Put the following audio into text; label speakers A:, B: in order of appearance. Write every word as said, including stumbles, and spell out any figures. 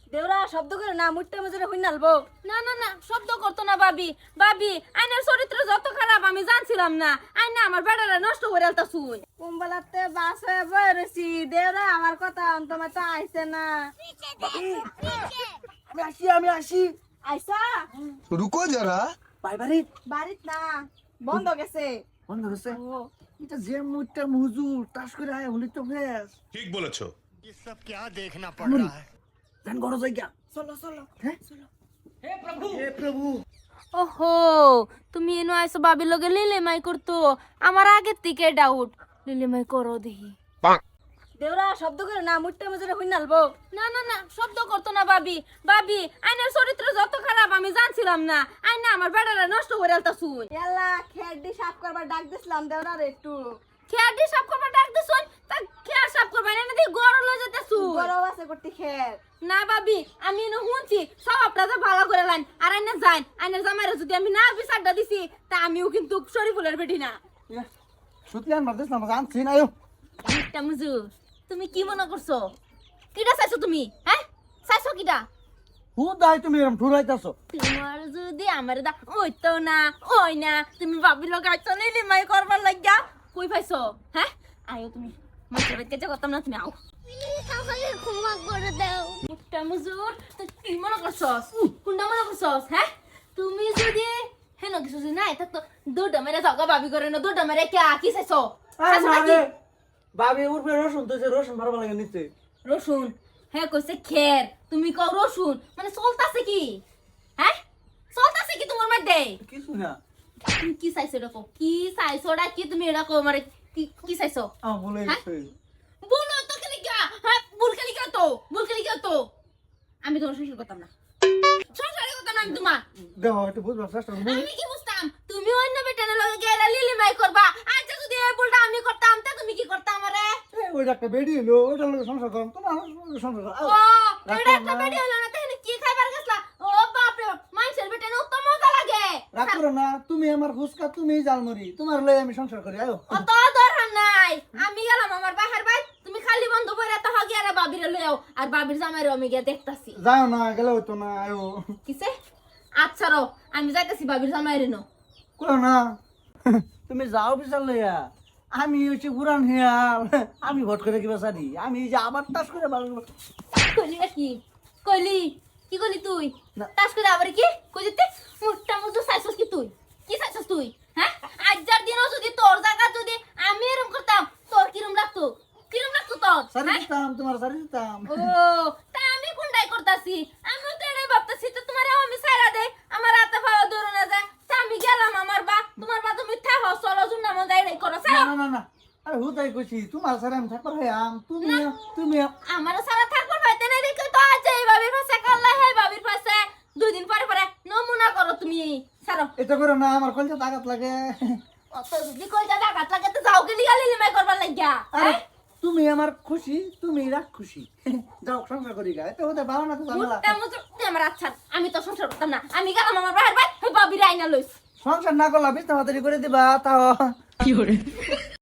A: দেওরা শব্দ করে না মুটটা মজুরে হই নালবো।
B: না না না শব্দ করতো না ভাবি। ভাবি আইনের চরিত্র যত খারাপ আমি জানছিলাম না। আইনা আমার বেড়ারা নষ্ট করে আলতাছুই।
A: কুম্বলাতে বাস হয়ে বয়ে রয়েছি। দেওরা আমার কথা তোমার তো আইছে না।
C: আমি আসি আমি আসি
A: আইসা
D: रुको जरा।
C: ভাই বাড়ি
A: বাড়িত না বন্ধ গেছে।
C: বন্ধ হচ্ছে
A: ও
C: এটা যে মুটটা মজুর তাস করে আয় হলি তো ফেস
D: ठीक बोलेছো।
E: ये सब क्या देखना पड़ रहा है।
C: জান গরো জায়গা
A: চলো চলো।
C: হ্যাঁ হে প্রভু
B: ওহো তুমি এনো আইসো ভাবির লগে লিলিমাই করতো। আমার আগের থেকে ডাউট লিলিমাই করো দেখি।
A: দেওরা শব্দ করে না মুটটা মজুরে হই নালবো।
B: না না না শব্দ করতো না ভাবি। ভাবি আইনের চরিত্র যত খারাপ আমি জানছিলাম না। আইনা আমার বেড়ারা নষ্ট করে আলতাছুই।
A: এলা খেডি সাফ করবার ডাক দিছিলাম দেওরার একটু।
B: খেয়ার দিয়ে সাফ করবার ডাক দিছুন। তা খেয়ার সাফ করবা না দিয়ে গরম লয়ে যেতেছুই।
A: গরম আছে করতে খের।
B: না ভাবি আমি এনে শুনছি সব আপনাদের ভালো করে লাইন আর আইনা যাই আইনের জামাইরে যদি আমি না বিচারটা দিছি তা আমিও কিন্তু শরীফুলের বেটি না।
C: সুতলি আনবার দিস না জানছি না আয়ো
B: একটা মুজু তুমি কি মনে করছো? কিটা চাইছো তুমি? হ্যাঁ চাইছো কিটা?
C: হু দাই তুমি এরকম ঠুরাইতাছো
B: তোমার যদি আমার দা ওইতো না ওই না তুমি ভাবি লগাইছো লিলিমাই করবার লাগিয়া কই পাইছো? হ্যাঁ আয়ো তুমি মাছের বেটকে যে করতাম না তুমি আও।
F: ক্ষমা করে দাও।
B: একটা মুজুর তুই কি মনে করছস? কোনটা মনে করছস? হ্যাঁ তুমি যদি হেন কিছু যদি নাই থাকতো দুটা মেরে যাও গা ভাবি করে না দুটা মেরে কে কি চাইছো? চাইছো নাকি?
C: ভাবি উঠবে রসুন তো রসুন মারবা লাগে নিচে
B: রসুন হ্যাঁ কইছে খের তুমি কও রসুন মানে চলতাছে কি? হ্যাঁ চলতাছে কি তোমার মধ্যে?
C: কিছু না
B: তুমি কি চাইছো এটা কও কি চাইছো ওটা কি তুমি এটা কও মানে কি কি চাইছো?
C: আ বলে
B: হ্যাঁ?
C: গেছে
B: বলো তো খালি কি হ্যাঁ ভুল খালি কি তো ভুল খালি কি তো আমি তোমার সংসার করতাম না সংসারে করতাম না আমি তোমার
C: দেখো একটু বুঝবার চেষ্টা করো
B: আমি কি বুঝতাম তুমি অন্য বেটানের লগে গেলা লিলিমাই করবা আচ্ছা যদি এই ভুলটা আমি করতাম তা তুমি কি করতা আমারে?
C: ওইটা একটা বেডি হলো ওইটার লগে সংসার করো তোমার সংসার করো
B: ও এটা একটা বেডি হলো না তাহলে কি খাইবার গেছলা? ও বাপ রে বাপ মানুষের বেটানে উত্তম মজা লাগে।
C: রাগ করো না তুমি আমার ফুসকা তুমি জালমুড়ি তোমার লই আমি সংসার করি আয়ো
B: অত দরকার নাই আমি গেলাম আমার বাহার ভাই তুমি খালি বন্ধ করে তো হগে আর বাবিরে লইও আর বাবির জামাইরে আমি গিয়া দেখতাছি।
C: যাও না গেলে হইতো না আয়ো
B: কিসে? আচ্ছা রো আমি যাইতাছি বাবির জামাইরে নো।
C: করো না তুমি যাও বিচার লইয়া আমি হচ্ছে পুরান হিয়াল আমি ভট করে কিবা সারি আমি এই যে আবার টাস করে ভালো
B: কইলি কি কইলি কি কইলি তুই
C: না।
B: তাস করে আবার কি কই দিতে মুটটা মুটু চাইছস কি তুই কি চাইছস তুই? হ্যাঁ আজকের দিনও যদি তোর জায়গা যদি আমি এরকম করতাম তোর কিরম লাগতো কিরম লাগতো তোর?
C: সারি
B: হ্যাঁ?
C: দিতাম তোমার সারি দিতাম
B: ও তা আমি কোনটাই করতাছি আমি তো এটাই ভাবতাছি তো তোমার আমি সারা দেই আমার হাতে পাওয়া ধরে না যায় তা আমি গেলাম আমার বা তোমার বা তুমি থাকো চলো জুন না মজা এটাই করো
C: না
B: সারা
C: না না না আরে হুদাই কইছি তোমার সারি আমি থাকবার হইয়াম তুমি তুমি
B: আমার সারা থাকবার পাইতে নাই দেখো তো আজ এই বাবির পাশে কাল্লা হে বাবির পাশে দুই দিন পরে পরে নমুনা করো তুমি সারো
C: এটা করো না আমার কলজা আঘাত লাগে
B: অত যদি কই দাদা গাত লাগে তো যাও গেলি গালি লিমাই করবার লাগিয়া
C: আরে তুমি আমার খুশি তুমি রাখ খুশি যাও সংসার করি গা এটা হতে ভালো না তো ঝামেলা
B: মুটটা মুটু তুই আমার আচ্ছা আমি তো সংসার করতাম না আমি গেলাম আমার বাহার ভাই বাবির আইনা লইস
C: সংসার না করলা বিছনা মাতারি করে দিবা তাও